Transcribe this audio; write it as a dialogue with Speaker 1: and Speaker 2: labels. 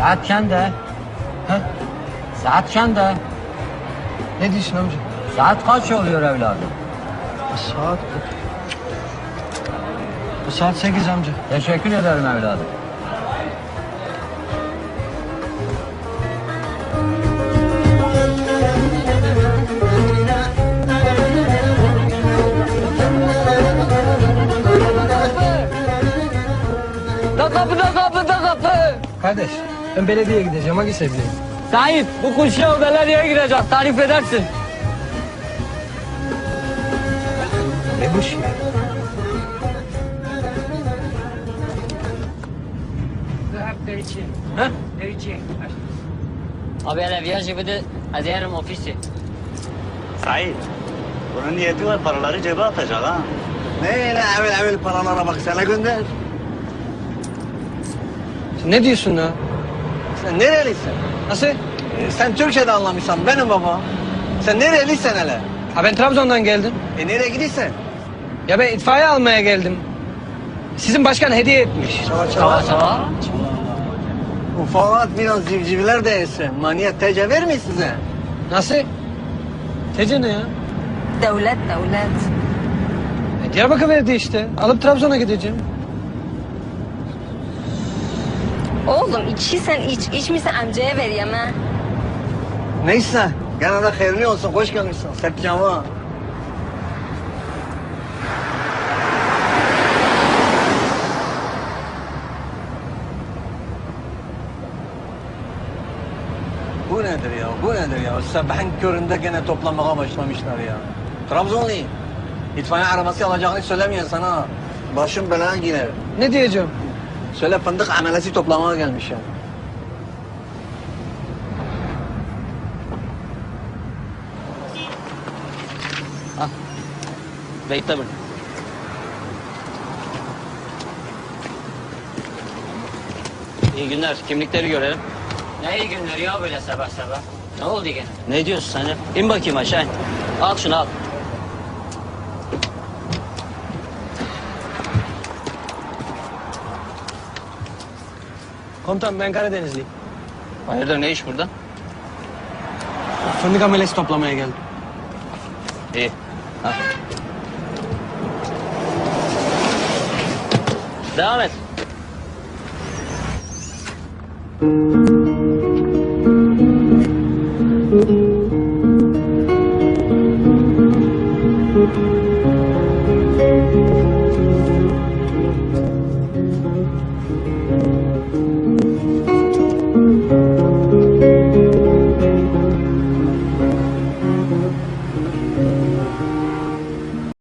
Speaker 1: Saat kende.
Speaker 2: Ha?
Speaker 1: Saat kende.
Speaker 2: Ne diyorsun amca?
Speaker 1: Saat kaç oluyor evladım?
Speaker 2: Saat... Saat 8 amca.
Speaker 1: Teşekkür ederim evladım.
Speaker 3: Da kapı.
Speaker 2: Kardeş, ben belediyeye gideceğim. Hangi sevdiğin?
Speaker 3: Sahip, bu kuşya belediyeye girecek. Tarif edersin.
Speaker 2: Ne bu şey?
Speaker 3: Ha? Abi hele viajı bir de aderim ofisi.
Speaker 4: Sait, bunun niyeti var, paraları cebe atacak ha.
Speaker 5: Ne öyle evvel paralara bak sana gönder.
Speaker 2: Sen ne diyorsun ya?
Speaker 5: Sen nerelisin?
Speaker 2: Nasıl?
Speaker 5: Sen Türkçe'de anlamışsan benim baba. Sen nerelisin hele?
Speaker 2: Ha ben Trabzon'dan geldim.
Speaker 5: Nereye gidiyorsun?
Speaker 2: Ya ben itfaiye almaya geldim. Sizin başkan hediye etmiş.
Speaker 3: Çava çava.
Speaker 5: Ufalat biraz civcivler de yesin. Maniyet tece vermiyor size.
Speaker 2: Nasıl? Tece ne ya?
Speaker 6: Devlet.
Speaker 2: Diyarbakır verdi işte. Alıp Trabzon'a gideceğim.
Speaker 6: Oğlum içiysen iç. İçmişsen amcaya ver yeme.
Speaker 5: Neyse. Gene de hayırlı olsun. Hoş gelmişsin. Sertcama. Bu nedir ya? Bu nedir ya? Sabahın köründe gene toplamaya başlamışlar ya. Trabzonlu. İtfaiye arabası alacağını söylemiyor sana. Başım belaya girer.
Speaker 2: Ne diyeceğim?
Speaker 5: Söyle fındık amelesi toplamaya gelmiş ya.
Speaker 3: Bekle bunu. İyi günler. Kimlikleri görelim. Ne iyi günler ya böyle sabah sabah. Ne oldu gene?
Speaker 4: Ne diyorsun sen ya? İn bakayım aşağı in.
Speaker 3: Al şunu al.
Speaker 2: Komutan ben Karadenizliyim.
Speaker 3: Hayırdır ne iş burada?
Speaker 2: Fındık amelesi toplamaya geldim.
Speaker 3: İyi. Al. Devam et.